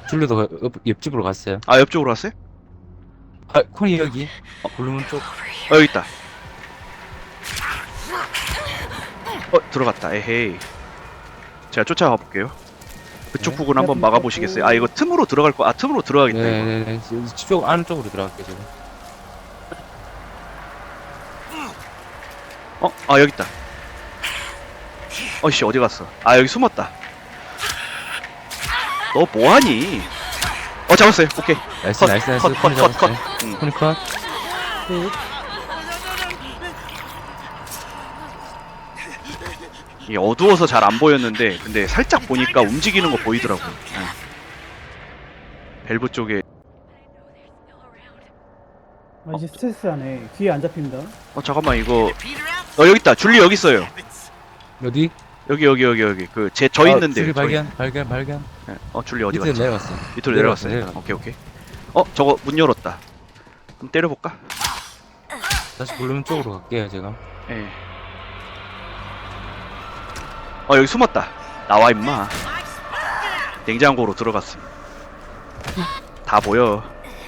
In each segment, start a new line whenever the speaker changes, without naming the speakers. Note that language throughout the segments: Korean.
줄리도 옆집으로 갔어요.
아, 옆쪽으로 왔어요?
아, 코니 여기. 블루문 쪽.
여기 있다. 들어갔다. 에헤이. 제가 쫓아가 볼게요. 그쪽
네.
부분 한번 막아보시겠어요? 아, 이거 틈으로 들어갈 거. 아, 틈으로 들어가겠다. 이거.
네네네. 쪽 안쪽으로 들어갈게요, 지금.
아, 여기 있다. 어이씨, 어디 갔어? 아, 여기 숨었다. 너 뭐하니? 잡았어요. 오케이.
나이스,
컷,
나이스, 나이스.
컷,
코니
컷, 컷,
잡았어요.
컷. 응.
코니 컷.
이게 어두워서 잘 안 보였는데, 근데 살짝 보니까 움직이는 거 보이더라고요. 밸브 쪽에.
아, 이제 스트레스하네. 뒤에 안 잡힙니다.
잠깐만, 이거. 여기 있다. 줄리 여기 있어요.
어디?
여기. 저 있는데.
줄리
저희.
발견.
네. 줄리 어디
밑으로
갔지?
내려갔어.
밑으로 내려갔어요.
내려갔어.
오케이. 저거 문 열었다. 한번 때려볼까?
다시 블루문 쪽으로 갈게요, 제가.
예. 여기 숨었다. 나와, 임마. 냉장고로 들어갔음. 다 보여.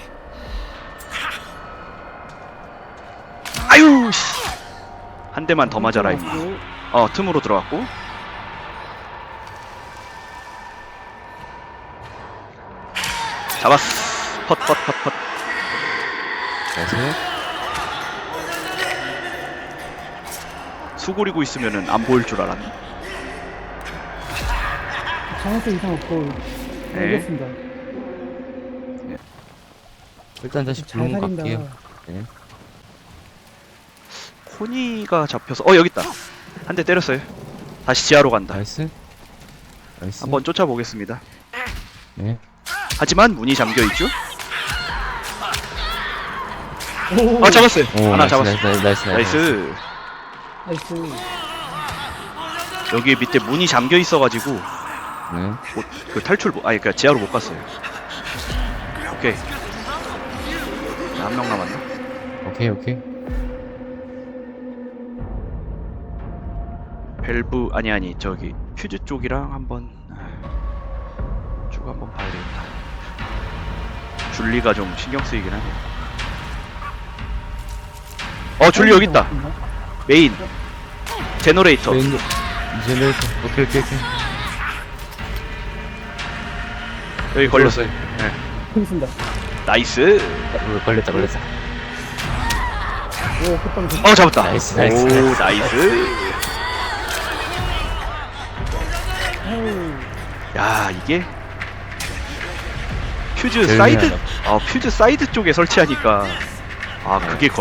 아유, 씨. 한 대만 더 맞아라, 임마. 틈으로 들어갔고. 잡았어. 컷.
나이스.
수그리고 있으면은 안 보일 줄 알았네.
장애성 이상 없고
네.
이겼습니다.
일단 다시
잘
블루문
살린다.
갈게요. 네.
코니가 잡혀서 여기 있다. 한 대 때렸어요. 다시 지하로 간다.
나이스.
한번 쫓아보겠습니다.
네.
하지만 문이 잠겨 있죠?
오,
잡았어요.
오,
하나
나이스,
잡았어.
나이스.
나이스.
나이스.
여기 밑에 문이 잠겨 있어가지고
네.
그 탈출 그러니까 지하로 못 갔어요. 오케이. 한 명 남았나?
오케이.
밸브 아니 저기 퓨즈 쪽이랑 한번 쭉 한번 봐야 되겠다. 줄리가 좀 신경 쓰이긴 하네. 줄리 여기 있다. 메인 제너레이터.
제네레이터. 오케이.
여기 걸렸어요. 네.
여기 있습니다.
나이스.
걸렸다.
오, 끝방.
잡았다.
나이스.
오, 나이스. 야, 이게 퓨즈
제일
사이드
미안하다.
퓨즈 사이드 쪽에 설치하니까 그게